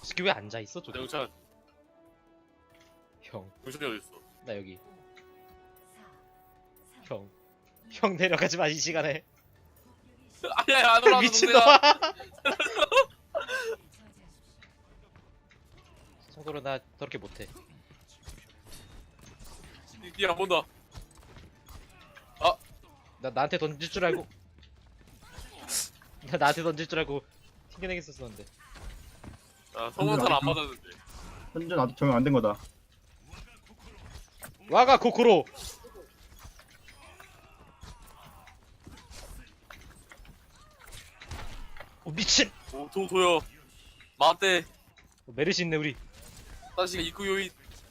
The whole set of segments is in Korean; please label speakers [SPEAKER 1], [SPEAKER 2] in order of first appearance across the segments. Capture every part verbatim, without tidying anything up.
[SPEAKER 1] 스키 왜 앉아있어 저기?
[SPEAKER 2] 영찬
[SPEAKER 1] 형,
[SPEAKER 2] 정신이 어딨어?
[SPEAKER 1] 나 여기. 형, 형 내려가지 마 이 시간에.
[SPEAKER 2] 아니야 안 올라와
[SPEAKER 1] 미친놈아. 성도로 나 저렇게 못해.
[SPEAKER 2] 니안 본다.
[SPEAKER 1] 나 나한테 던질 줄 알고. 나 나한테 던질 줄 알고 튕겨내겠었었는데.
[SPEAKER 2] 아 성원탄 안 맞았는데.
[SPEAKER 3] 현준 아직 적용 안 된 거다.
[SPEAKER 1] 와가 코코로. 오 미친.
[SPEAKER 2] 오도 도요. 마대.
[SPEAKER 1] 메르시 있네 우리.
[SPEAKER 2] 다시 입구 요인.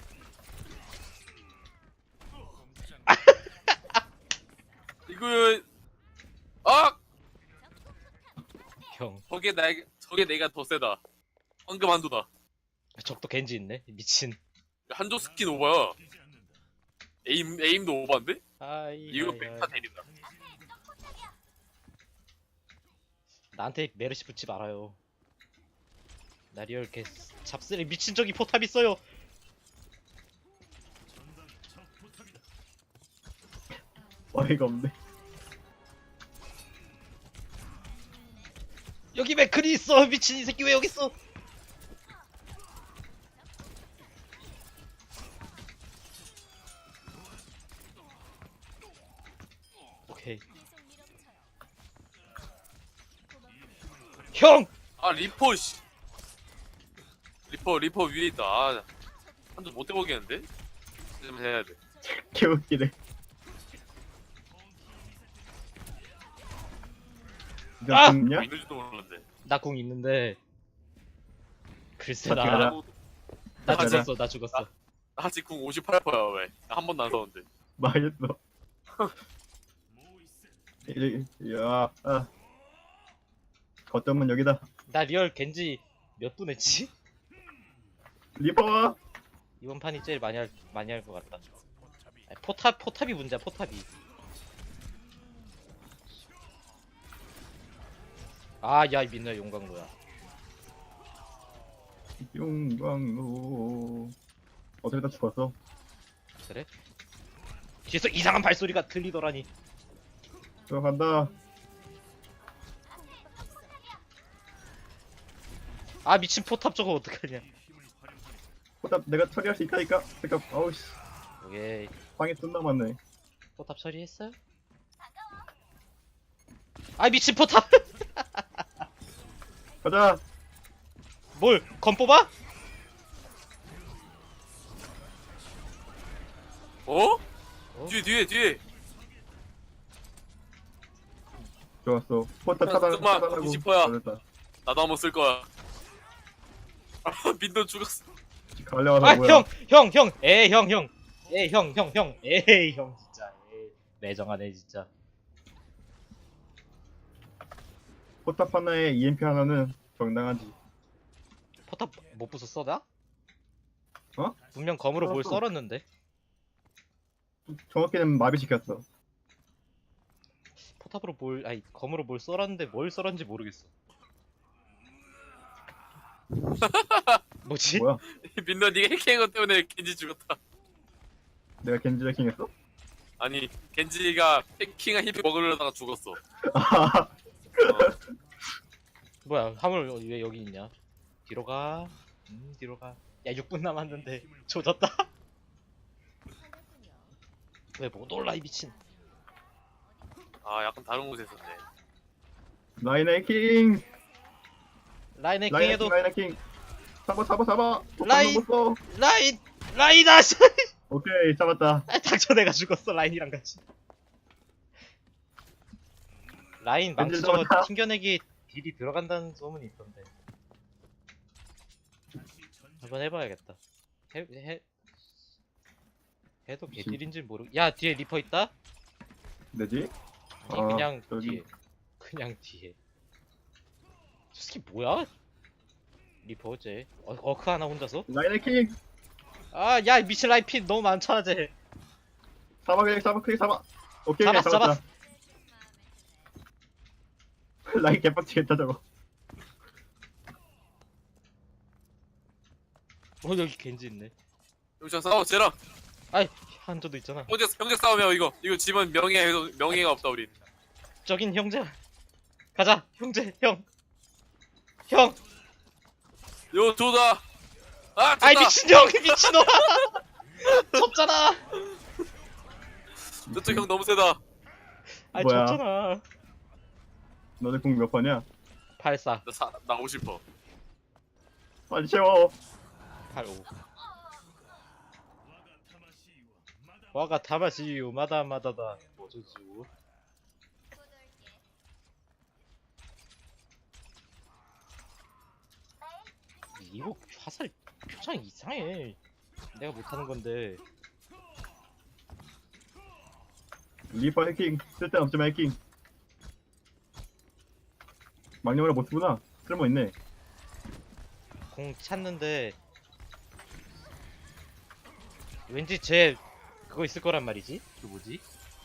[SPEAKER 2] 입구 요인. 아!
[SPEAKER 1] 형,
[SPEAKER 2] 저게 나 저게 내가 더 세다. 황금 한도다.
[SPEAKER 1] 적도 겐지 있네. 미친.
[SPEAKER 2] 한조 스킨 오버야. 에임 에임도 오버인데?
[SPEAKER 1] 아이.
[SPEAKER 2] 이거
[SPEAKER 1] 아이,
[SPEAKER 2] 백타
[SPEAKER 1] 아이.
[SPEAKER 2] 대리다.
[SPEAKER 1] 나한테 메르시 붙지 말아요. 나 리얼 개 잡스레 미친 적이 포탑 있어요.
[SPEAKER 3] 어이가 없네.
[SPEAKER 1] 여기 맥클이 있어. 미친 이 새끼 왜 여기 있어? 오케이. 형!
[SPEAKER 2] 아 리퍼 씨. 리퍼 리퍼 위에 있다. 아, 한조 못 해보겠는데? 좀 해야 돼.
[SPEAKER 3] 개웃기네. 이거
[SPEAKER 1] 아!
[SPEAKER 3] 죽냐?
[SPEAKER 2] 있는지도 몰랐는데.
[SPEAKER 1] 나 궁 있는데 글쎄
[SPEAKER 3] 어떻게
[SPEAKER 1] 나,
[SPEAKER 3] 알아?
[SPEAKER 1] 나
[SPEAKER 3] 가자.
[SPEAKER 1] 죽었어 나 죽었어.
[SPEAKER 2] 나 아직 궁 오십팔 퍼센트야 왜? 한 번도 안 썼는데.
[SPEAKER 3] 망했어. 이- 야, 아. 거점은 여기다.
[SPEAKER 1] 나 리얼 겐지 몇 분 했지?
[SPEAKER 3] 리퍼!
[SPEAKER 1] 이번 판이 제일 많이 할 많이 할 것 같다. 아니, 포탑 포탑이 문제야 포탑이. 아야 민노야 용광로야.
[SPEAKER 3] 용광로. 어차피 다 죽었어.
[SPEAKER 1] 그래? 뒤에서 이상한 발소리가 들리더라니.
[SPEAKER 3] 들어간다.
[SPEAKER 1] 아 미친 포탑 저거 어떡하냐.
[SPEAKER 3] 포탑 내가 처리할 수 있다니까. 잠깐, 아우씨.
[SPEAKER 1] 오케이.
[SPEAKER 3] 방에 존나 많네.
[SPEAKER 1] 포탑 처리했어요? 아 미친 포탑.
[SPEAKER 3] 가자.
[SPEAKER 1] 뭘 건 뽑아?
[SPEAKER 2] 어?
[SPEAKER 1] 어?
[SPEAKER 2] 뒤에 뒤에 뒤에.
[SPEAKER 3] 좋았어. 포탑 차단,
[SPEAKER 2] 잠깐만,
[SPEAKER 3] 차단하고.
[SPEAKER 2] 이십 퍼야.
[SPEAKER 3] 아, 됐다.
[SPEAKER 2] 나도 한번 쓸 거야. 아 민도 죽었어.
[SPEAKER 3] 갈려와서
[SPEAKER 1] 아
[SPEAKER 3] 뭐야.
[SPEAKER 1] 형 형 형 에이 형 형 에이 형 형 형 에이 형 진짜 에이 매정하네 진짜.
[SPEAKER 3] 포탑 하나에 이엠피 하나는 정당하지.
[SPEAKER 1] 포탑 못 부쉈어 나?
[SPEAKER 3] 어?
[SPEAKER 1] 분명 검으로 뭘
[SPEAKER 3] 썰었어.
[SPEAKER 1] 썰었는데.
[SPEAKER 3] 정확히는 마비시켰어.
[SPEAKER 1] 포탑으로 뭘 아니 검으로 뭘 썰었는데 뭘 썰었는지 모르겠어. 뭐지?
[SPEAKER 3] 뭐야?
[SPEAKER 2] 민도 니가 해킹한 것 때문에 겐지 죽었다.
[SPEAKER 3] 내가 겐지 해킹했어?
[SPEAKER 2] 아니 겐지가 해킹한 힐 먹으려다가 죽었어.
[SPEAKER 3] 아,
[SPEAKER 2] 어.
[SPEAKER 1] 뭐야 화물 왜 여기 있냐? 뒤로 가. 음 뒤로 가. 야 육 분 남았는데 조졌다. 왜 못 올라 이 미친.
[SPEAKER 2] 아 약간 다른 곳에 있었네.
[SPEAKER 3] 라인 해킹!
[SPEAKER 1] 라인
[SPEAKER 3] 라인 해킹,
[SPEAKER 1] 해킹해도
[SPEAKER 3] 라인 해킹! 잡아, 잡아, 잡아! 포탑
[SPEAKER 1] 라인!
[SPEAKER 3] 넘었어!
[SPEAKER 1] 라인 라인 아씨.
[SPEAKER 3] 오케이, 잡았다.
[SPEAKER 1] 닥쳐 내가 죽었어 라인이랑 같이. 라인 망치
[SPEAKER 3] 왠지
[SPEAKER 1] 저거
[SPEAKER 3] 들어갔다.
[SPEAKER 1] 튕겨내기 딜이 들어간다는 소문이 있던데. 한번 해봐야겠다. 해, 해, 해도 개딜인지 모르. 야 뒤에 리퍼 있다?
[SPEAKER 3] 되지?
[SPEAKER 1] 아니
[SPEAKER 3] 아,
[SPEAKER 1] 그냥
[SPEAKER 3] 저기.
[SPEAKER 1] 뒤에. 그냥 뒤에. 저 새끼 뭐야? 리퍼 어째? 어, 어크 하나 혼자서?
[SPEAKER 3] 라인 해킹!
[SPEAKER 1] 아 야 미친 라인 핀 너무 많잖아 쟤.
[SPEAKER 3] 잡아, 그냥 잡아, 그냥 잡아! 오케이,
[SPEAKER 1] 잡았어,
[SPEAKER 3] 잡았다. 라인 개빡치겠다, 저거.
[SPEAKER 1] 어 여기 겐지 있네.
[SPEAKER 2] 여기서 싸워 쟤랑.
[SPEAKER 1] 아이 한조도 있잖아.
[SPEAKER 2] 형제 형제 싸움이야 이거. 이거 집은 명예 명예가 없다 우리.
[SPEAKER 1] 저긴 형제. 가자 형제 형. 형.
[SPEAKER 2] 요 조다. 아
[SPEAKER 1] 아이
[SPEAKER 2] 졌다.
[SPEAKER 1] 미친형 미친놈아. 졌잖아.
[SPEAKER 2] 저쪽 형 너무 세다.
[SPEAKER 1] 아이
[SPEAKER 3] 뭐야?
[SPEAKER 1] 졌잖아.
[SPEAKER 3] 너네 공 몇 번이야?
[SPEAKER 1] 팔사
[SPEAKER 2] 나 사, 나오고 싶어.
[SPEAKER 3] 빨리 채워.
[SPEAKER 1] 팔오. 와가 타마시유 마다마다다 뭐저주. 이거 화살 표창 이상해. 내가 못하는 건데.
[SPEAKER 3] 리퍼 해킹. 쓸데없지만 해킹. 망령으로 못 쓰구나. 쓸모 있네.
[SPEAKER 1] 공 찾는데 왠지 쟤 그거 있을 거란 말이지? 그 뭐지?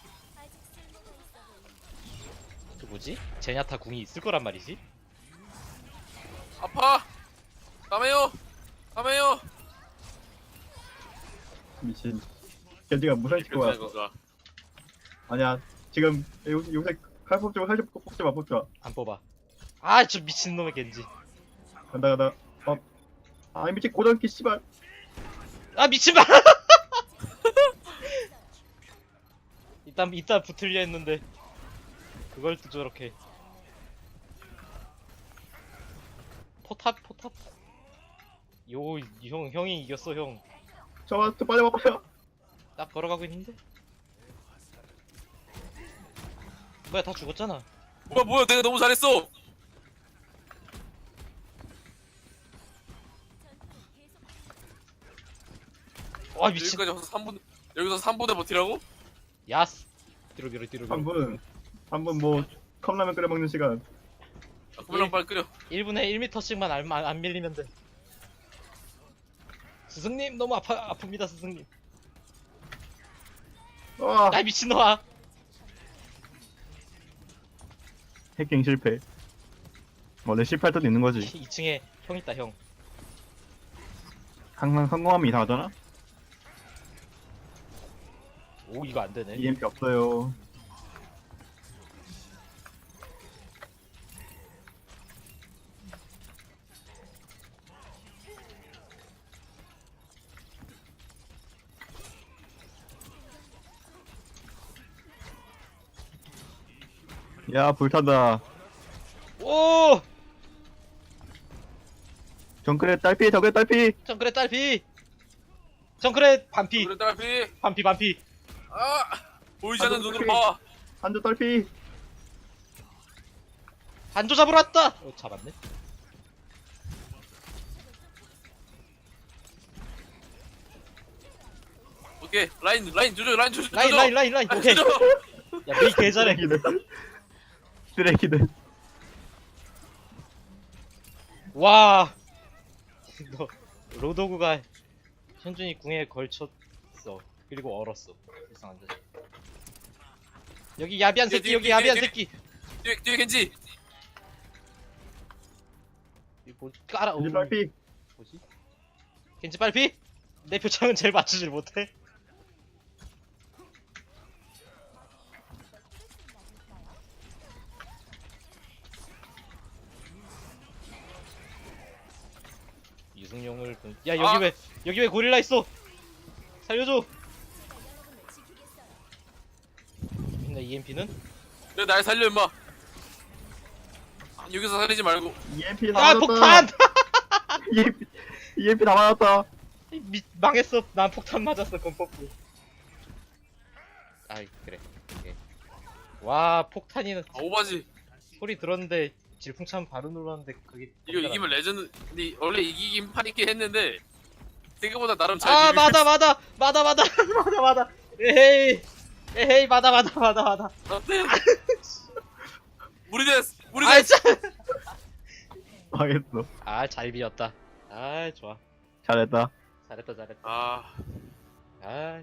[SPEAKER 1] 그 뭐지? 제냐타 궁이 있을 거란 말이지?
[SPEAKER 2] 아파. 까매요. 까매요.
[SPEAKER 3] 미친. 겐지가 무산시킬 거야.
[SPEAKER 2] 건가?
[SPEAKER 3] 아니야. 지금 요, 요새 칼 뽑지 마. 칼 뽑지 마. 뽑지 마.
[SPEAKER 1] 안 뽑아. 아 저 미친놈의 겐지.
[SPEAKER 3] 간다 간다. 어. 아 미친 고정키 씨발.
[SPEAKER 1] 아 미친마. 일단 이따 붙으려 했는데 그걸 또 저렇게. 포탑 포탑. 요 형 형이 이겼어 형.
[SPEAKER 3] 저와 저 빨리 와 빨리 와.
[SPEAKER 1] 딱 걸어가고 있는데. 뭐야 다 죽었잖아.
[SPEAKER 2] 뭐야 뭐야 내가 너무 잘했어.
[SPEAKER 1] 와 미친.
[SPEAKER 2] 여기까지 와서 삼 분 여기서 삼 분에 버티라고?
[SPEAKER 1] 야스. 뒤로 뒤로 뒤로.
[SPEAKER 3] 한 분. 한 분 뭐 컵라면 끓여 먹는 시간.
[SPEAKER 2] 아, 그만 빨리 끓여.
[SPEAKER 1] 일 분에 일 미터씩만 안, 안, 안 밀리면 돼. 스승님 너무 아파 아픕니다 스승님.
[SPEAKER 3] 와.
[SPEAKER 1] 야 미친놈아.
[SPEAKER 3] 해킹 실패. 원래 실패할 때도 있는 거지.
[SPEAKER 1] 이 층에 형 있다 형.
[SPEAKER 3] 항상 성공하면 이상하잖아.
[SPEAKER 1] 오 이거 안 되네.
[SPEAKER 3] 이엠피 없어요. 야 불탄다.
[SPEAKER 1] 오
[SPEAKER 3] 정글에 딸피 정글에 딸피.
[SPEAKER 1] 정크레 딸피. 정크레 반피.
[SPEAKER 2] 그래 딸피.
[SPEAKER 1] 반피 반피.
[SPEAKER 2] 아 보이지 않는
[SPEAKER 3] 아주
[SPEAKER 2] 눈으로
[SPEAKER 3] 크게.
[SPEAKER 2] 봐.
[SPEAKER 3] 한조 딸피.
[SPEAKER 1] 한조 잡으러 왔다. 어 잡았네.
[SPEAKER 2] 오케이 라인 라인 조져 라인 조져.
[SPEAKER 1] 라인 라인 라인 라인. 오케이.
[SPEAKER 2] 조져.
[SPEAKER 1] 야 메이 개 잘해.
[SPEAKER 3] 쓰레기들. 쓰레기들.
[SPEAKER 1] 와. 너 로도구가 현준이 궁에 걸쳤어. 그리고 얼었어. 이상한데. 여기 야비한 새끼
[SPEAKER 2] 뒤에,
[SPEAKER 1] 여기
[SPEAKER 2] 뒤에,
[SPEAKER 1] 야비한
[SPEAKER 2] 뒤에.
[SPEAKER 1] 새끼.
[SPEAKER 2] 뒤에 뒤에 겐지.
[SPEAKER 1] 이거 뭐 깔아.
[SPEAKER 3] 이제
[SPEAKER 1] 오,
[SPEAKER 3] 딸피.
[SPEAKER 1] 뭐지? 겐지 빨피? 내 표창은 제일 맞추질 못해. 유승용을 본... 야 여기
[SPEAKER 2] 아.
[SPEAKER 1] 왜 여기 왜 고릴라 있어? 살려줘. 있나 이엠피는?
[SPEAKER 2] 그래 날 살려 임마. 아, 여기서 살리지 말고.
[SPEAKER 3] 이엠피 다
[SPEAKER 1] 아
[SPEAKER 3] 맞았다.
[SPEAKER 1] 폭탄!
[SPEAKER 3] 이엠피 이엠피 다 맞았다.
[SPEAKER 1] 미, 망했어. 난 폭탄 맞았어 건퍼프. 아이 그래. 오케이. 와 폭탄이는
[SPEAKER 2] 아, 오바지.
[SPEAKER 1] 소리 들었는데 질풍참 바로 눌렀는데 그게
[SPEAKER 2] 이거 이기면 레전드. 근데 원래 이기긴 판 있긴 했는데 생각보다 나름 잘.
[SPEAKER 1] 아
[SPEAKER 2] 비비고
[SPEAKER 1] 맞아 맞아 맞아 맞아 맞아 맞아 에헤이 에헤이 맞아 맞아 맞아 맞아
[SPEAKER 2] 있어. 어때? 무리됐어.
[SPEAKER 1] 아
[SPEAKER 2] 무리됐어.
[SPEAKER 1] 진짜
[SPEAKER 3] 망했어.
[SPEAKER 1] 아잘 비었다. 아 좋아
[SPEAKER 3] 잘했다.
[SPEAKER 1] 잘했다 잘했다.
[SPEAKER 2] 아
[SPEAKER 1] 아이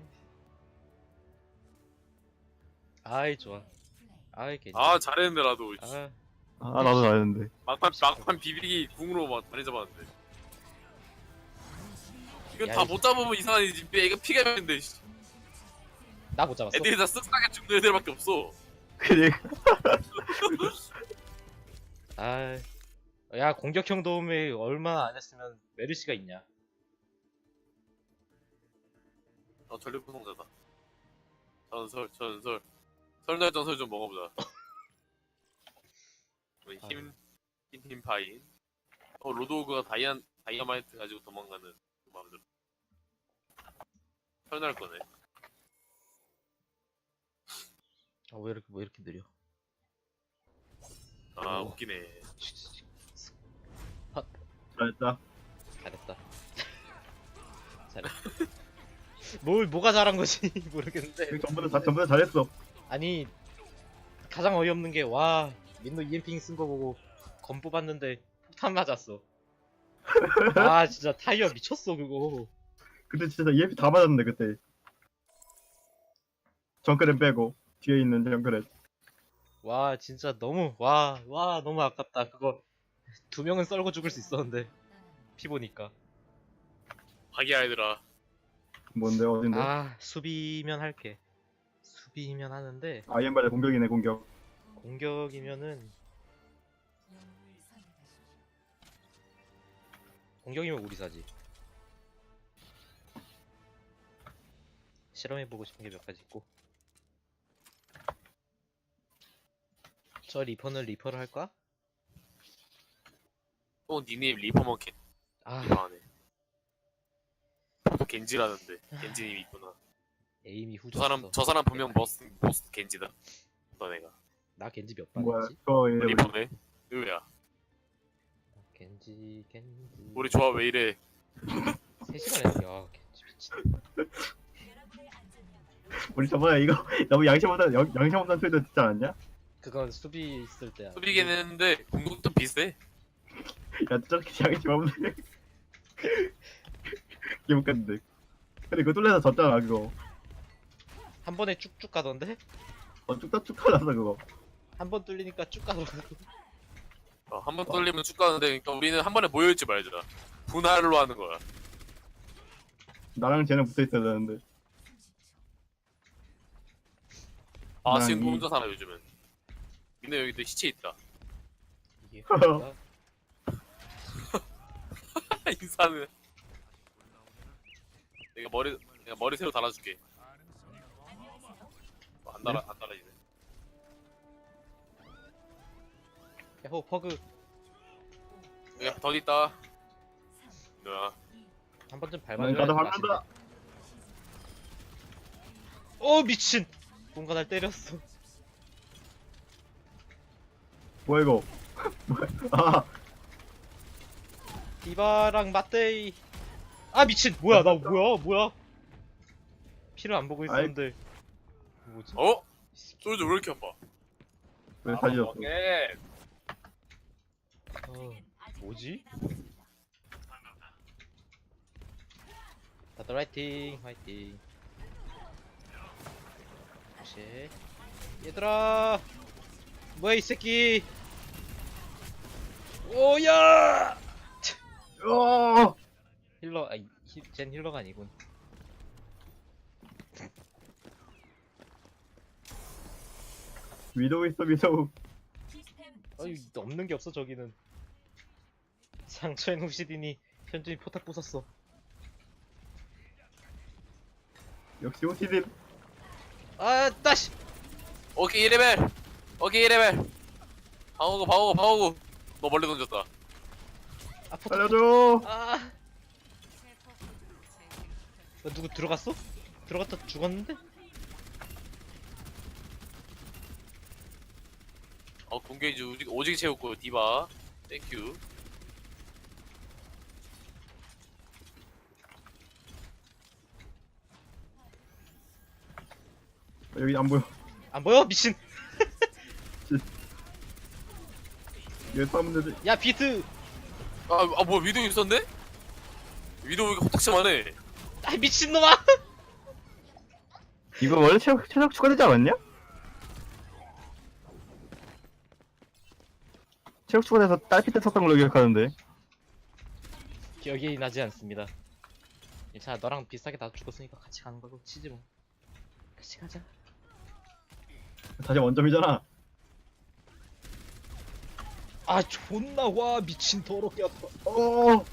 [SPEAKER 1] 아이 좋아. 아이 괜찮.
[SPEAKER 2] 아 잘했는데 나도.
[SPEAKER 1] 아
[SPEAKER 3] 아 나도 잘했는데.
[SPEAKER 2] 막판 막판 비비기 궁으로 막 많이 잡았는데. 이건
[SPEAKER 1] 야,
[SPEAKER 2] 다
[SPEAKER 1] 이-
[SPEAKER 2] 못 잡으면 이상하지. 애가 피가 있는데.
[SPEAKER 1] 나 못 잡았어.
[SPEAKER 2] 애들이 다 쓱싹하게 죽는 애들밖에 없어.
[SPEAKER 3] 그래.
[SPEAKER 1] 아, 야 공격형 도움이 얼마나 안 했으면 메르시가 있냐.
[SPEAKER 2] 어, 전력 구성자다. 전설, 전설. 설날 전설 좀 먹어보자. 우리 힘, 힘, 힘 파인. 어, 로드오그가 다이안, 다이아마이트 가지고 도망가는 그 마음에 들어. 설날 거네.
[SPEAKER 1] 아, 왜 이렇게 왜 이렇게 느려?
[SPEAKER 2] 아,
[SPEAKER 1] 오.
[SPEAKER 2] 웃기네.
[SPEAKER 3] 잘했다.
[SPEAKER 1] 잘했다. 잘했다. 뭘 뭐가 잘한 거지 모르겠는데.
[SPEAKER 3] 전부 다 전부 다 잘했어.
[SPEAKER 1] 아니 가장 어이없는 게 와 민노 이엠핑 쓴 거 보고 검 뽑았는데 폭탄 맞았어. 아 진짜 타이어 미쳤어 그거.
[SPEAKER 3] 근데 진짜 이엠피 다 맞았는데 그때. 정크랩 빼고 뒤에 있는 정크랩.
[SPEAKER 1] 와 진짜 너무 와 와 너무 아깝다. 그거 두 명은 썰고 죽을 수 있었는데 피 보니까.
[SPEAKER 2] 화기야 얘들아.
[SPEAKER 3] 뭔데 어딘데?
[SPEAKER 1] 아 수비면 할게. 수비면 하는데
[SPEAKER 3] 아이엠발의 공격이네 공격.
[SPEAKER 1] 공격이면은 공격이면 우리 사지. 실험해보고 싶은 게 몇 가지 있고. 저 리퍼는 리퍼를 할까?
[SPEAKER 2] 또 니네 리퍼 먹겠.
[SPEAKER 1] 아
[SPEAKER 2] 이상하네. 또 겐지라는데. 겐지님이 있구나.
[SPEAKER 1] 에임이
[SPEAKER 2] 저
[SPEAKER 1] 후졌어.
[SPEAKER 2] 사람, 저 사람 분명 보스, 보스 겐지다. 너네가.
[SPEAKER 1] 나 겐지 몇
[SPEAKER 3] 뭐야?
[SPEAKER 1] 반이지?
[SPEAKER 3] 저 이름
[SPEAKER 2] 리퍼네? 의외야.
[SPEAKER 1] 겐지 겐지
[SPEAKER 2] 우리 조합 왜 이래?
[SPEAKER 1] 세 시간 했어. 야 겐지 미친.
[SPEAKER 3] 우리 저번에 이거 너무 양심 없는 양- 양심 없는 소리도 듣지 않았냐?
[SPEAKER 1] 그건 수비 있을 때야.
[SPEAKER 2] 수비긴 했는데, 공격도 비슷해.
[SPEAKER 3] 야 저렇게 양심 없는. 기분 깠는데. 근데 그거 뚫려서 졌잖아 그거.
[SPEAKER 1] 한 번에 쭉쭉 가던데?
[SPEAKER 3] 어 쭉쭉 가졌어 그거.
[SPEAKER 1] 한 번 뚫리니까 쭉 가더라고.
[SPEAKER 2] 어, 한 번 뚫리면 쭉 가는데, 그러니까 우리는 한 번에 모여있지 말자. 분할로 하는 거야.
[SPEAKER 3] 나랑 쟤는 붙어 있어야 되는데.
[SPEAKER 2] 아,
[SPEAKER 3] 난
[SPEAKER 2] 지금
[SPEAKER 3] 이-
[SPEAKER 2] 혼자 살아, 요즘은. 민네 여기도 시체 있다.
[SPEAKER 1] 이게 뭐야?
[SPEAKER 2] 인사는. 내가 머리, 내가 머리 새로 달아줄게. 어, 안 달아, 안 달아지네.
[SPEAKER 1] 야호 퍼그
[SPEAKER 2] 여기 더 있다. 뭐야?
[SPEAKER 1] 한 번쯤
[SPEAKER 3] 난
[SPEAKER 1] 밟아줘야
[SPEAKER 3] 가다
[SPEAKER 1] 될 것
[SPEAKER 3] 밟는다.
[SPEAKER 1] 같은데. 어 미친. 뭔가 날 때렸어.
[SPEAKER 3] 뭐야 이거? 뭐야? 아
[SPEAKER 1] 디바랑 맞대이. 아 미친. 뭐야 나 뭐야 뭐야? 피를 안 보고
[SPEAKER 3] 아이.
[SPEAKER 1] 있었는데. 뭐지?
[SPEAKER 2] 어? 소리도 왜 이렇게 아파?
[SPEAKER 3] 왜 살렸어?
[SPEAKER 2] 오케이.
[SPEAKER 1] 어, 뭐지? 다들 화이팅 화이팅. 역시 얘들아 뭐야 이 새끼. 오야
[SPEAKER 3] 어!
[SPEAKER 1] 힐러 아니 히- 쟨 힐러가 아니군.
[SPEAKER 3] 위도우 있어 위도우.
[SPEAKER 1] 아유 없는 게 없어 저기는. 상처엔 후시디니 현준이 포탑 부쉈어.
[SPEAKER 3] 역시 오티딘.
[SPEAKER 1] 아 따시.
[SPEAKER 2] 오케이 일 레벨. 오케이 일 레벨. 방어구 방어구 방어구. 너 멀리 던졌다.
[SPEAKER 1] 아 포탑.
[SPEAKER 3] 살려줘.
[SPEAKER 1] 아. 어, 누구 들어갔어? 들어갔다 죽었는데?
[SPEAKER 2] 어 공격이지 오직 오직 채웠고 디바. 땡큐.
[SPEAKER 3] 여기 안 보여.
[SPEAKER 1] 안 보여 미친.
[SPEAKER 3] 여기 싸면 되지.
[SPEAKER 1] 야 비트.
[SPEAKER 2] 아, 아 뭐야 위도우 있었네? 위도우 이거 호탁심하네.
[SPEAKER 1] 아 미친놈아.
[SPEAKER 3] 이거 원래 체력 체력 추가되지 않았냐? 체력 추가돼서 딸피 때 썼던 걸로 기억하는데.
[SPEAKER 1] 기억이 나지 않습니다. 괜찮아, 너랑 비슷하게 나도 죽었으니까 같이 가는 걸로 치지 뭐. 같이 가자.
[SPEAKER 3] 다시 원점이잖아.
[SPEAKER 1] 아 존나 와 미친 더럽게 아파.
[SPEAKER 3] 어.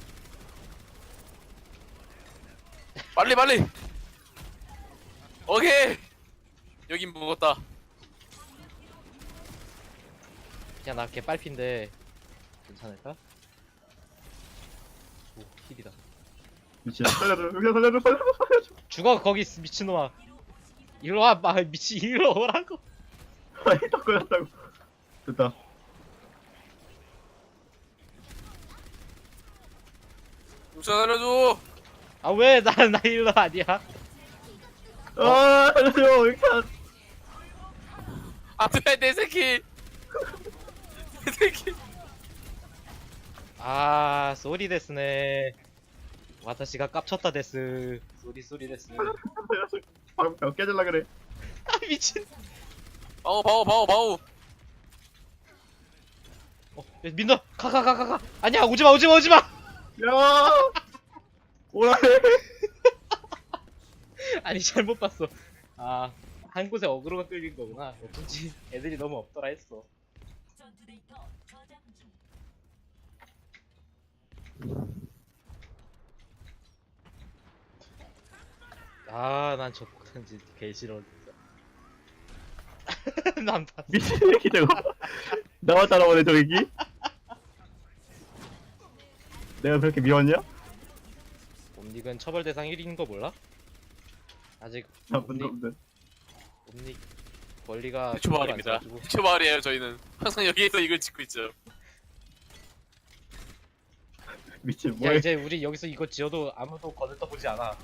[SPEAKER 2] 빨리 빨리. 오케이. 여긴 먹었다.
[SPEAKER 1] 그냥 나 개빨핀데 괜찮을까? 오 힐이다.
[SPEAKER 3] 미친. 살려줘. 여기 살려줘. 살려줘. 살려줘.
[SPEAKER 1] 죽어 거기 있- 미친놈아. 일로 와, 마 미친 일로 오라고.
[SPEAKER 3] 아니 더 걸렸다고. 됐다.
[SPEAKER 2] 용찬 살려줘.
[SPEAKER 1] 아 왜 나 나 일로 아니야?
[SPEAKER 3] 아 살려줘. 여기 한.
[SPEAKER 2] 안돼 내 새끼. 내 새끼.
[SPEAKER 1] 아 쏘리 데스네. 와타시가 깝쳤다 데스. 쏘리 쏘리 데스.
[SPEAKER 3] 살려줘. 방금 벽 깨질라 그래.
[SPEAKER 1] 아 미친.
[SPEAKER 2] 바오 바오 바오 바오.
[SPEAKER 1] 어 민너 가 가 가 가 가. 아니야 오지마 오지마 오지마.
[SPEAKER 3] 야. 오라해.
[SPEAKER 1] 아니 잘못 봤어. 아 한 곳에 어그로가 끌린 거구나. 어쩐지 애들이 너무 없더라 했어. 아 난 저 폭탄지 개 싫어 진짜. 난 봤어.
[SPEAKER 3] 미친 새끼 저거. 나만 따라오네 저 새끼. 내가 그렇게 미웠냐?
[SPEAKER 1] 옴닉은 처벌 대상 일 위인 거 몰라? 아직
[SPEAKER 3] 나쁜
[SPEAKER 1] 옴닉,
[SPEAKER 3] 놈들.
[SPEAKER 1] 옴닉 권리가
[SPEAKER 2] 해초 마을입니다.
[SPEAKER 1] 안 써가지고.
[SPEAKER 2] 해초 마을이에요 저희는. 항상 여기에서 이걸 짓고 있죠.
[SPEAKER 3] 미친
[SPEAKER 1] 야
[SPEAKER 3] 뭐해?
[SPEAKER 1] 이제 우리 여기서 이거 지어도 아무도 거들 떠보지 않아.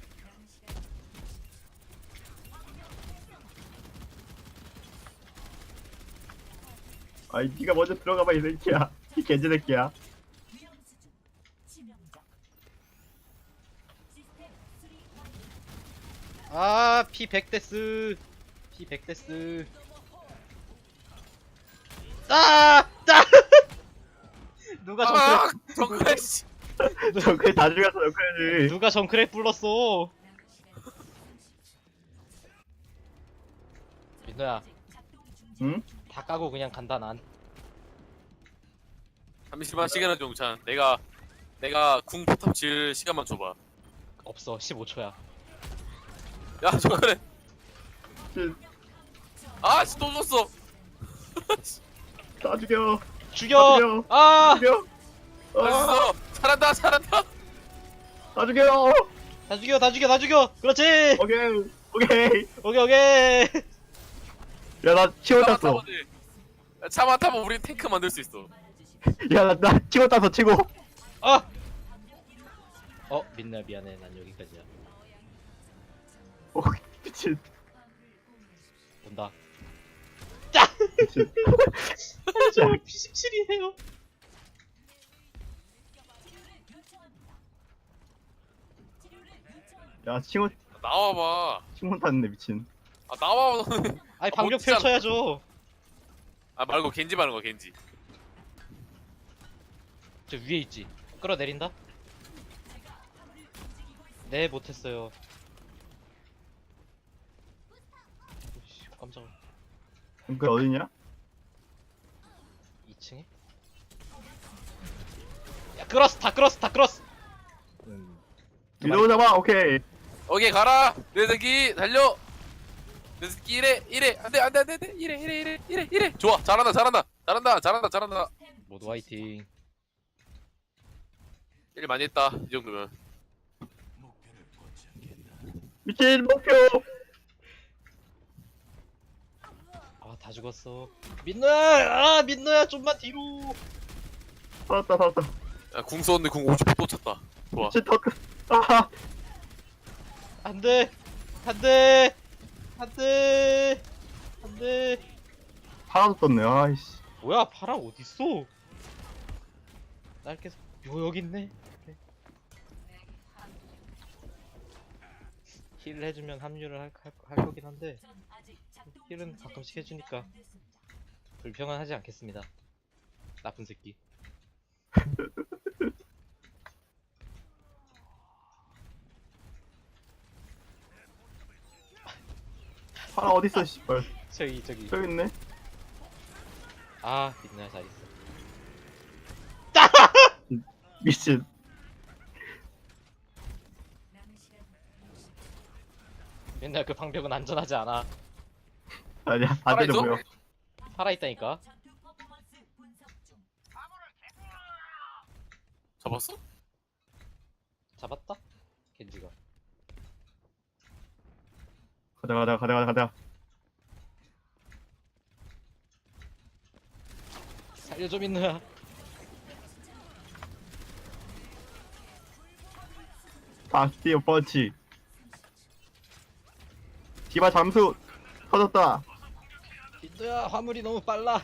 [SPEAKER 3] 아이 니가 먼저 들어가봐 이 새끼야. 이 개지 새끼야.
[SPEAKER 1] 아, 피 백 데스. 피 백 데스. 아! 아! 누가
[SPEAKER 2] 아
[SPEAKER 1] 정크랩
[SPEAKER 2] 정글 씨.
[SPEAKER 3] 저 그게 다 죽였어 여기까지.
[SPEAKER 1] 누가 정크랩 불렀어? 민호야,
[SPEAKER 3] 응?
[SPEAKER 1] 다 까고 그냥 간다 난.
[SPEAKER 2] 잠시만 시간을 좀 용찬. 내가 내가 궁 포탑 질 시간만 줘봐.
[SPEAKER 1] 없어. 십오 초야.
[SPEAKER 2] 야 정글에.
[SPEAKER 3] 미친.
[SPEAKER 2] 아씨 또 줬어.
[SPEAKER 3] 다 죽여.
[SPEAKER 1] 죽여!
[SPEAKER 3] 죽여.
[SPEAKER 1] 아!
[SPEAKER 3] 죽여. 아,
[SPEAKER 2] 알았어. 잘한다 잘한다.
[SPEAKER 3] 다 죽여.
[SPEAKER 1] 다 죽여, 다 죽여, 다 죽여! 그렇지!
[SPEAKER 3] 오케이. 오케이.
[SPEAKER 1] 오케이, 오케이!
[SPEAKER 3] 야 나 치워
[SPEAKER 2] 차만
[SPEAKER 3] 땄어.
[SPEAKER 2] 타면 돼. 야, 차만 타면 우리 탱크 만들 수 있어.
[SPEAKER 3] 야나 나 치워 땄어 치고.
[SPEAKER 1] 아! 어, 민나 미안해. 난 여기까지야.
[SPEAKER 3] 오 미친.
[SPEAKER 1] 온다.
[SPEAKER 3] 미친.
[SPEAKER 1] 저 피십칠이에요.
[SPEAKER 3] 야 치워
[SPEAKER 2] 나와봐.
[SPEAKER 3] 치워 탔네 미친.
[SPEAKER 2] 아 나와 너는.
[SPEAKER 1] 아니
[SPEAKER 2] 아,
[SPEAKER 1] 방벽
[SPEAKER 2] 멋지잖아.
[SPEAKER 1] 펼쳐야죠.
[SPEAKER 2] 아 말고 겐지 말하는 거 겐지.
[SPEAKER 1] 저 위에 있지. 끌어내린다. 네 못했어요. 오씨 깜짝아.
[SPEAKER 3] 그 어디냐?
[SPEAKER 1] 이 층에? 야 끌었어 다 끌었어 다 끌었어. 음. 두 마리.
[SPEAKER 3] 위로 잡아. 오케이.
[SPEAKER 2] 오케이 가라. 내 새끼 달려. 내 새끼 이래 이래 안돼 안돼 안돼 안돼 이래 이래 이래 이래 이래. 좋아 잘한다 잘한다 잘한다 잘한다 잘한다.
[SPEAKER 1] 모두 화이팅.
[SPEAKER 2] 일 많이 했다 이 정도면.
[SPEAKER 3] 미친 목표.
[SPEAKER 1] 아 다 죽었어. 민노야 아 민노야 좀만 뒤로.
[SPEAKER 3] 살았다 살았다.
[SPEAKER 2] 야궁 썼는데 궁 오십 퍼센트 또 찼다. 좋아.
[SPEAKER 3] 미친 더 크. 아
[SPEAKER 1] 안돼 안돼 안돼 안돼.
[SPEAKER 3] 하나도 떴네. 아이씨.
[SPEAKER 1] 뭐야 파라 어딨어? 날 계속 요 여기 있네. 그래. 힐 해주면 합류를 할, 할, 할 거긴 한데 힐은 가끔씩 해주니까 불평은 하지 않겠습니다. 나쁜 새끼.
[SPEAKER 3] 파라 어딨어 씨발.
[SPEAKER 1] 저기 저기.
[SPEAKER 3] 저기 있네.
[SPEAKER 1] 아 민나 잘 있어.
[SPEAKER 3] 미친.
[SPEAKER 1] 맨날 그 방벽은 안전하지 않아.
[SPEAKER 3] 아니야
[SPEAKER 2] 파라
[SPEAKER 3] 안 되는
[SPEAKER 2] 있어?
[SPEAKER 3] 보여.
[SPEAKER 1] 살아 있다니까.
[SPEAKER 2] 잡았어?
[SPEAKER 1] 잡았다? 겐지가.
[SPEAKER 3] 가자 가자 가자 가자 가자.
[SPEAKER 1] 살려줘 민누야.
[SPEAKER 3] 바스티온 펀치. 디바 잠수 터졌다.
[SPEAKER 1] 민누야 화물이 너무 빨라.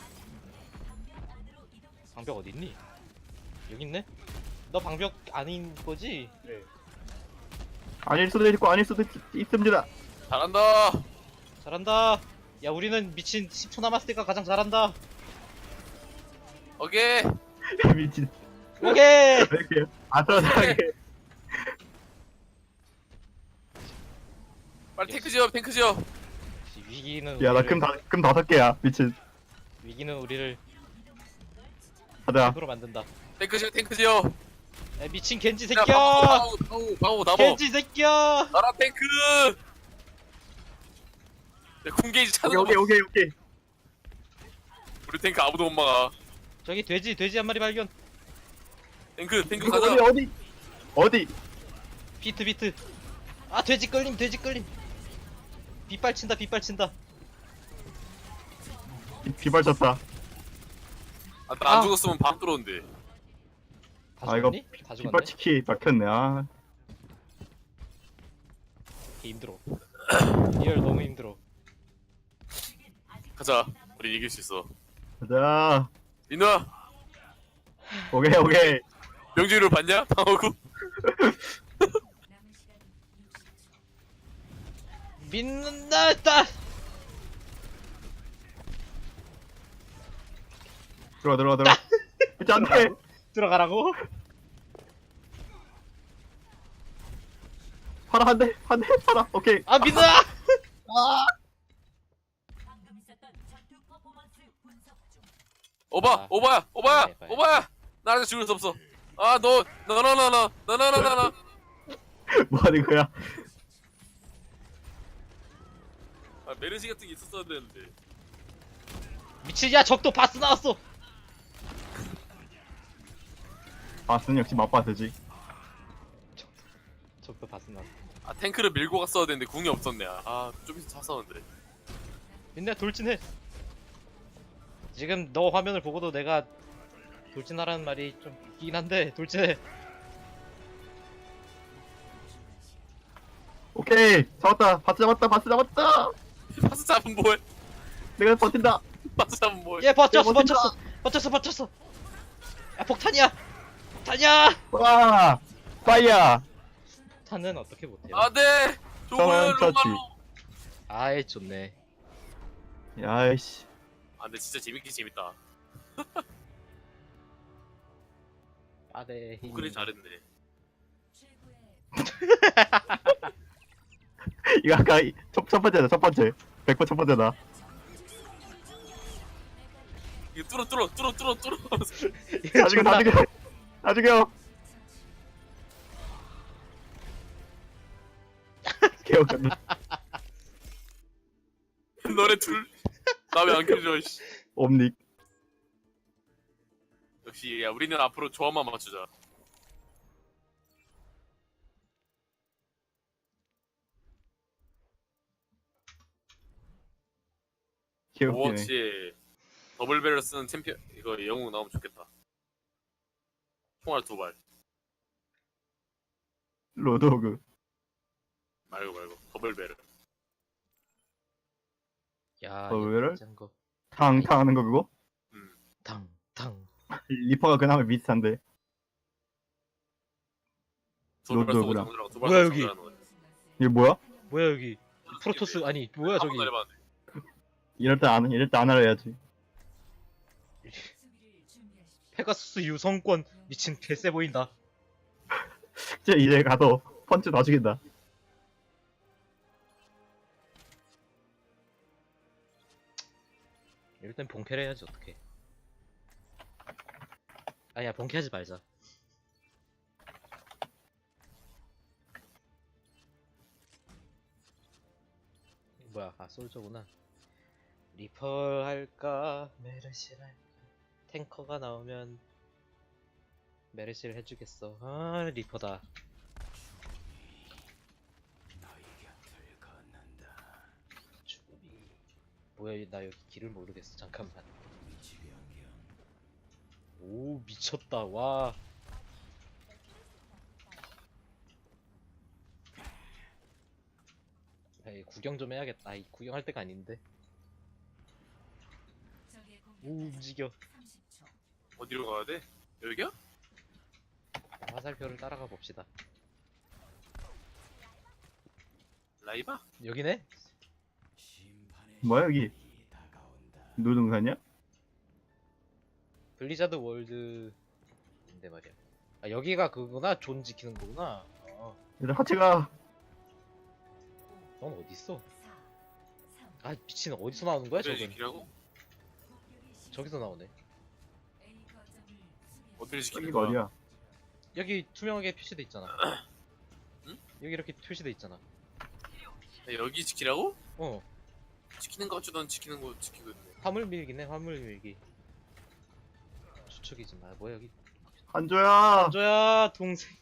[SPEAKER 1] 방벽 어디 있니? 여기 있네. 너 방벽 아닌 거지?
[SPEAKER 3] 네. 아닐 수도 있고 아닐 수도 있, 있습니다.
[SPEAKER 2] 잘한다.
[SPEAKER 1] 잘한다. 야 우리는 미친 십 초 남았을 때가 가장 잘한다.
[SPEAKER 2] 오케이.
[SPEAKER 3] 미친.
[SPEAKER 1] 오케이.
[SPEAKER 3] 왜 이렇게 아슬아슬하게.
[SPEAKER 2] 빨리 탱크 지어, 탱크 지어.
[SPEAKER 1] 위기는
[SPEAKER 3] 야 나
[SPEAKER 1] 우리를-
[SPEAKER 3] 금 다 금 다섯 개야. 미친.
[SPEAKER 1] 위기는 우리를
[SPEAKER 3] 가자.
[SPEAKER 1] 힘으로 만든다.
[SPEAKER 2] 탱크 지어, 탱크 지어.
[SPEAKER 1] 야 미친 겐지
[SPEAKER 2] 야,
[SPEAKER 1] 새끼야.
[SPEAKER 2] 방어, 방어, 방어, 나버.
[SPEAKER 1] 겐지 새끼야.
[SPEAKER 2] 나라 탱크. 야, 궁게이지 찾는
[SPEAKER 3] 오케이
[SPEAKER 2] 거.
[SPEAKER 3] 오케이 오케이 오케이.
[SPEAKER 2] 우리 탱크 아무도 못 막아.
[SPEAKER 1] 저기 돼지 돼지 한 마리 발견.
[SPEAKER 2] 탱크, 탱크
[SPEAKER 3] 이거
[SPEAKER 2] 가자.
[SPEAKER 3] 어디 어디 어디.
[SPEAKER 1] 비트 비트. 아 돼지 끌림 돼지 끌림. 빗발 친다 빗발 친다.
[SPEAKER 3] 비- 비발쳤다.
[SPEAKER 2] 아, 나안
[SPEAKER 1] 아.
[SPEAKER 2] 죽었으면 밥 들어온대.
[SPEAKER 1] 다
[SPEAKER 3] 아, 이거
[SPEAKER 1] 죽었니? 다 죽었네.
[SPEAKER 3] 비발치키 막혔네. 아.
[SPEAKER 1] 개 힘들어. 리얼 너무 힘들어.
[SPEAKER 2] 가자. 우리 이길 수 있어.
[SPEAKER 3] 가자.
[SPEAKER 2] 민우야,
[SPEAKER 3] 오케이 오케이.
[SPEAKER 2] 명주를 봤냐? 방어구.
[SPEAKER 1] 민나다.
[SPEAKER 3] 들어와 들어와 들어와. 진짜 안 돼.
[SPEAKER 1] 들어가라고?
[SPEAKER 3] 파라 한 대, 한 대, 파라. 오케이.
[SPEAKER 1] 아 민나.
[SPEAKER 2] 오바,
[SPEAKER 1] 아.
[SPEAKER 2] 오바야, 오바야,
[SPEAKER 1] 네, 빨리.
[SPEAKER 2] 오바야. 나한테 죽을 수 없어. 아, 너, 너, 너, 너, 너, 너, 너, 너, 너, 너.
[SPEAKER 3] 뭐 하는 거야?
[SPEAKER 2] 아, 메르시 같은 게 있었어야 되는데.
[SPEAKER 1] 미친 야 적도 바스 나왔어.
[SPEAKER 3] 바스는 역시 맛바스지.
[SPEAKER 1] 적도 바스 나왔어.
[SPEAKER 2] 아, 탱크를 밀고 갔어야 되는데 궁이 없었네. 아, 좀 있어 찼었는데.
[SPEAKER 1] 민나 돌진해. 지금 너 화면을 보고도 내가 돌진하라는 말이 좀 웃기긴 한데 돌진해.
[SPEAKER 3] 오케이. 잡았다. 바스 잡았다. 바스 잡았다.
[SPEAKER 2] 파스 잡은 뭐해?
[SPEAKER 3] 내가 버틴다.
[SPEAKER 2] 파스 잡은 뭐해?
[SPEAKER 1] 얘 버텼어
[SPEAKER 3] 야, 버틴다.
[SPEAKER 1] 버텼어 버텼어 버텼어. 야 폭탄이야. 폭탄이야.
[SPEAKER 3] 와. 파이야.
[SPEAKER 1] 폭탄은 어떻게 못해요?
[SPEAKER 2] 아, 네. 좋은
[SPEAKER 3] 저는 터치.
[SPEAKER 2] 로말로.
[SPEAKER 1] 아이 좋네.
[SPEAKER 3] 야이씨.
[SPEAKER 2] 아, 근데 진짜 재밌긴 재밌다.
[SPEAKER 1] 아네.
[SPEAKER 2] 우크린 잘했네.
[SPEAKER 3] 이거 아까 이- 첫, 첫 번째다. 첫 번째. 백 번 첫 번째다.
[SPEAKER 2] 이거 뚫어, 뚫어, 뚫어, 뚫어, 뚫어.
[SPEAKER 3] 나중에 나중에 나중에요. 개웃겼네.
[SPEAKER 2] 너네 둘. 나 왜 안 켜져, 씨.
[SPEAKER 3] 옴닉.
[SPEAKER 2] 역시, 야, 우리는 앞으로 조합만 맞추자.
[SPEAKER 3] 개웃기네.
[SPEAKER 2] 오버워치 더블 배럴 쓰는 챔피언 이거 영웅 나오면 좋겠다. 총알 두 발.
[SPEAKER 3] 로드호그.
[SPEAKER 2] 말고 말고 더블 배럴.
[SPEAKER 1] 야
[SPEAKER 3] 어, 왜래?
[SPEAKER 1] 짠 거.
[SPEAKER 3] 탕탕 하는 거 그거?
[SPEAKER 2] 음.
[SPEAKER 1] 탕탕.
[SPEAKER 3] 리퍼가 그나마 비슷한데.
[SPEAKER 2] 두발 쏘고
[SPEAKER 3] 로드오그라.
[SPEAKER 2] 정렬하고 두발
[SPEAKER 1] 뭐야,
[SPEAKER 2] 쏘고
[SPEAKER 1] 여기?
[SPEAKER 2] 정렬하는 거야.
[SPEAKER 3] 이게 뭐야?
[SPEAKER 1] 뭐야 여기 프로토스 아니 뭐야
[SPEAKER 2] 한
[SPEAKER 1] 저기.
[SPEAKER 2] 번도 안 해봤는데.
[SPEAKER 3] 이럴 때 안, 이럴 때 안 알아야지.
[SPEAKER 1] 페가수스 유성권 미친 개쎄 보인다.
[SPEAKER 3] 진짜 이제 가서 펀치 다 죽인다.
[SPEAKER 1] 땐 본캐를 해야지 어떡해. 아니야 본캐하지 말자. 뭐야 아 솔저구나. 리퍼 할까 메르시를 할까. 탱커가 나오면 메르시를 해주겠어. 아 리퍼다. 죽음이 뭐야 나 여기 길을 모르겠어. 잠깐만. 오 미쳤다 와. 에이, 구경 좀 해야겠다. 이 구경할 때가 아닌데. 오 움직여.
[SPEAKER 2] 어디로 가야 돼? 여기야?
[SPEAKER 1] 화살표를 따라가 봅시다.
[SPEAKER 2] 라이바?
[SPEAKER 1] 여기네?
[SPEAKER 3] 뭐야 여기? 노동산이야?
[SPEAKER 1] 블리자드 월드인데 말이야. 아 여기가 그거구나. 존 지키는 거구나. 어.
[SPEAKER 3] 얘들 같이 가.
[SPEAKER 1] 넌 어디 있어? 아 미친 어디서 나오는 거야
[SPEAKER 2] 그래
[SPEAKER 1] 저건?
[SPEAKER 2] 지키라고?
[SPEAKER 1] 저기서 나오네.
[SPEAKER 2] 어디를 지키는
[SPEAKER 3] 여기가
[SPEAKER 2] 거야?
[SPEAKER 3] 어디야?
[SPEAKER 1] 여기 투명하게 표시돼 있잖아.
[SPEAKER 2] 응?
[SPEAKER 1] 여기 이렇게 표시돼 있잖아.
[SPEAKER 2] 야, 여기 지키라고?
[SPEAKER 1] 어
[SPEAKER 2] 지키는 거 같지 넌 지키는 거 지키고 있네.
[SPEAKER 1] 화물 밀기네. 화물 밀기. 추측이지 마. 뭐야 여기?
[SPEAKER 3] 한조야.
[SPEAKER 1] 저야 동생.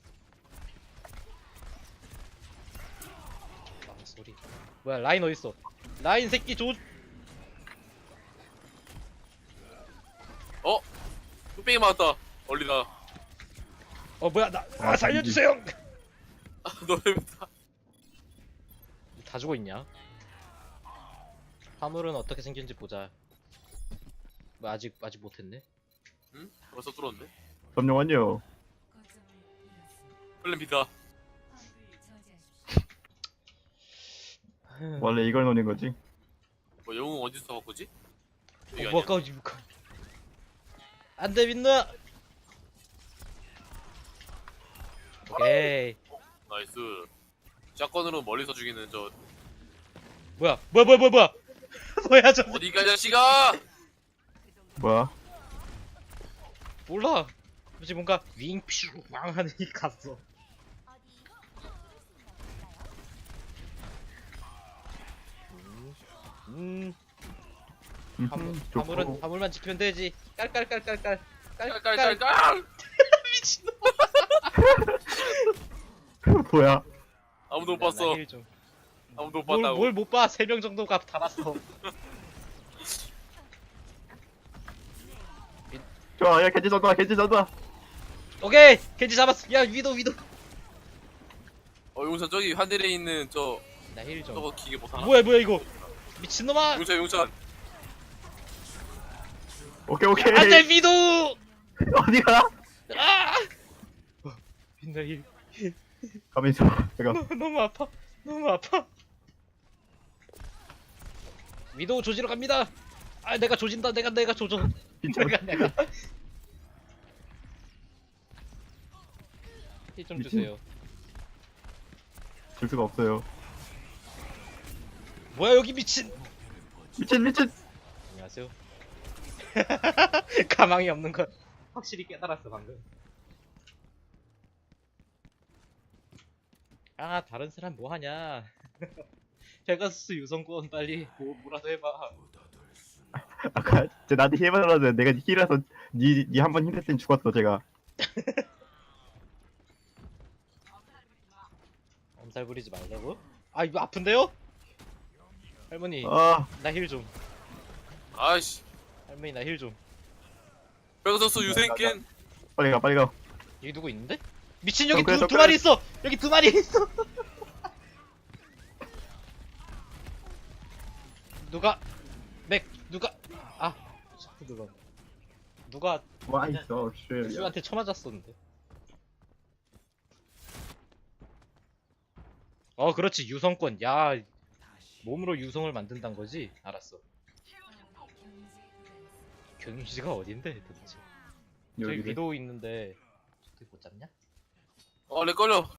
[SPEAKER 1] 아 소리. 뭐야 라인 어디 있어? 라인 새끼 조.
[SPEAKER 2] 어? 뚝배기 맞았다. 얼리다.
[SPEAKER 1] 어 뭐야 나 아,
[SPEAKER 3] 아,
[SPEAKER 1] 살려주세요.
[SPEAKER 2] 너네 다.
[SPEAKER 1] 다 죽어 있냐? 화물은 어떻게 생긴지 보자. 뭐 아직 아직 못했네.
[SPEAKER 2] 응? 벌써 뚫었네.
[SPEAKER 3] 점령 완료.
[SPEAKER 2] 플랜 B다.
[SPEAKER 3] 원래 이걸 노린 거지.
[SPEAKER 2] 뭐 영웅 어디서 바꾸지? 여기
[SPEAKER 1] 어,
[SPEAKER 2] 아니야?
[SPEAKER 1] 뭐 아까 지금 안돼 민누야. 오케이.
[SPEAKER 2] 나이스. 샷건으로 멀리서 죽이는 저
[SPEAKER 1] 뭐야 뭐야 뭐야 뭐야 뭐야 뭐야 저
[SPEAKER 2] 어디가 자식아!
[SPEAKER 3] 뭐야?
[SPEAKER 1] 몰라. 뭐지 뭔가 윙퓨 왕 하는 이 갔어. 음, 음 화물,
[SPEAKER 3] 음,
[SPEAKER 1] 화물은
[SPEAKER 3] 좋고.
[SPEAKER 1] 화물만 지키면 되지. 깔깔깔깔깔
[SPEAKER 2] 깔깔깔깔!
[SPEAKER 1] 미친놈.
[SPEAKER 3] 뭐야?
[SPEAKER 2] 아무도 못 봤어. 아무도 못 봤다고.
[SPEAKER 1] 뭘못 봐. 세 명 정도가 달았어.
[SPEAKER 3] 좋아, 야 겐지 잡아, 겐지 잡아.
[SPEAKER 1] 오케이 겐지 잡았어. 야 위도 위도.
[SPEAKER 2] 어 용찬 저기 하늘에 있는 저
[SPEAKER 1] 나 힐 좀.
[SPEAKER 2] 저거 기계 못 하나?
[SPEAKER 1] 뭐야 뭐야 이거 미친놈아.
[SPEAKER 2] 용찬 용찬.
[SPEAKER 3] 오케이 오케이.
[SPEAKER 1] 안돼 위도.
[SPEAKER 3] 어디가?
[SPEAKER 1] 아. 빛나 힐.
[SPEAKER 3] 가만히 있어. 내가
[SPEAKER 1] 너무 아파. 너무 아파. 위도우 조지러 갑니다. 아 내가 조진다. 내가 내가 조져.
[SPEAKER 3] 진짜
[SPEAKER 1] 내가 내가. 힐 좀
[SPEAKER 3] 미친.
[SPEAKER 1] 주세요.
[SPEAKER 3] 줄 수가 없어요.
[SPEAKER 1] 뭐야 여기 미친.
[SPEAKER 3] 미친 미친.
[SPEAKER 1] 안녕하세요. 가망이 없는 걸 확실히 깨달았어 방금. 아 다른 사람 뭐 하냐. 페가수스 유성권 빨리 뭐 뭐라도 해봐.
[SPEAKER 3] 아까 쟤 나한테 힐받으라는데 내가 힐해서 니니 한 번 힐했더니 죽었어 제가.
[SPEAKER 1] 엄살 부리지 말라고? 아 이거 아픈데요? 할머니
[SPEAKER 3] 아
[SPEAKER 1] 나 힐 좀.
[SPEAKER 2] 아이씨.
[SPEAKER 1] 할머니 나 힐 좀.
[SPEAKER 2] 페가서스 유생캔.
[SPEAKER 3] 빨리 가 빨리 가.
[SPEAKER 1] 여기 누구 있는데? 미친 여기
[SPEAKER 3] 덩크해,
[SPEAKER 1] 두, 두
[SPEAKER 3] 덩크해.
[SPEAKER 1] 마리 있어. 여기 두 마리 있어. 누가 맥 누가 아 자꾸 누가 누가
[SPEAKER 3] 와 있어. 쉣.
[SPEAKER 1] 수한테 쳐맞았었는데. 어 그렇지 유성권. 야 몸으로 유성을 만든단 거지. 알았어. 경유지가 어딘데 도대체? 저기
[SPEAKER 3] 여기
[SPEAKER 1] 위도우 있는데 저기 못 잡냐?
[SPEAKER 2] 어렉 걸려.